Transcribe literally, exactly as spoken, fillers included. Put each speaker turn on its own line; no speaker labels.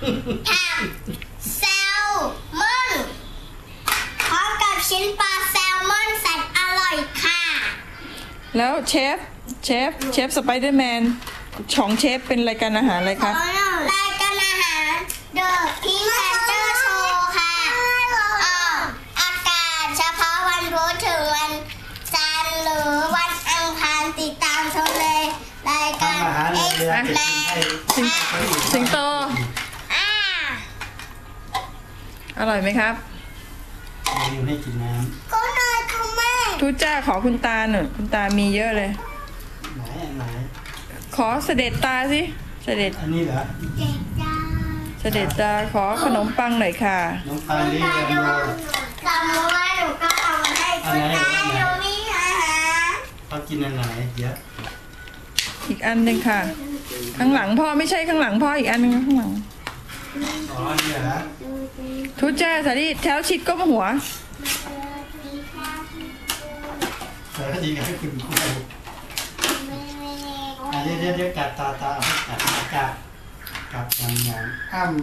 ทำแซลมอนพร้อมกับชิ้นปลาแซลมอนแสนอร่อยค่ะ
แล้วเชฟเชฟเชฟสไปเดอร์แมนของเชฟเป็นรายการอาหารอะไรครับ
รายการอาหารเดอะพิงค์แพนเตอร์โชว์ค่ะออกอากาศเฉพาะวันพุธถึงวันจันทร์หรือวันอังคารติดตามชมเลยรายการเอ็กซ์แมน
สิงโตอร่อยไหมครับ
อยู่ให้กินน้ำ
ก็นายคุณแม่
ทูจ้าขอคุณตาหน่อยคุณตามีเยอะเลย
ไหนไหน
ขอเสด็จตาสิเสด็จ
อันนี้เหรอ
เด็กจ้า
เสด็จตาขอขนมปังหน่อยค่ะ
ขนมปังนี่เรียนโล
จำไว้หนูก็เอามาให้คุณตาหนูมีอาหาร
เขากินอันไหนเยอะ
อีกอันหนึ่งค่ะข้างหลังพ่อไม่ใช่ข้างหลังพ่ออีกอันนึงข้างหลัง
อ๋อนี่เหรอ
ทูจ้าสาลีแถวชิดก้มหัว
สวัสดีครับคุณครูเดี๋ยวเดี๋ยวกัดตาตากัดกัดกัดกัดอย่างอย่างอ้ำ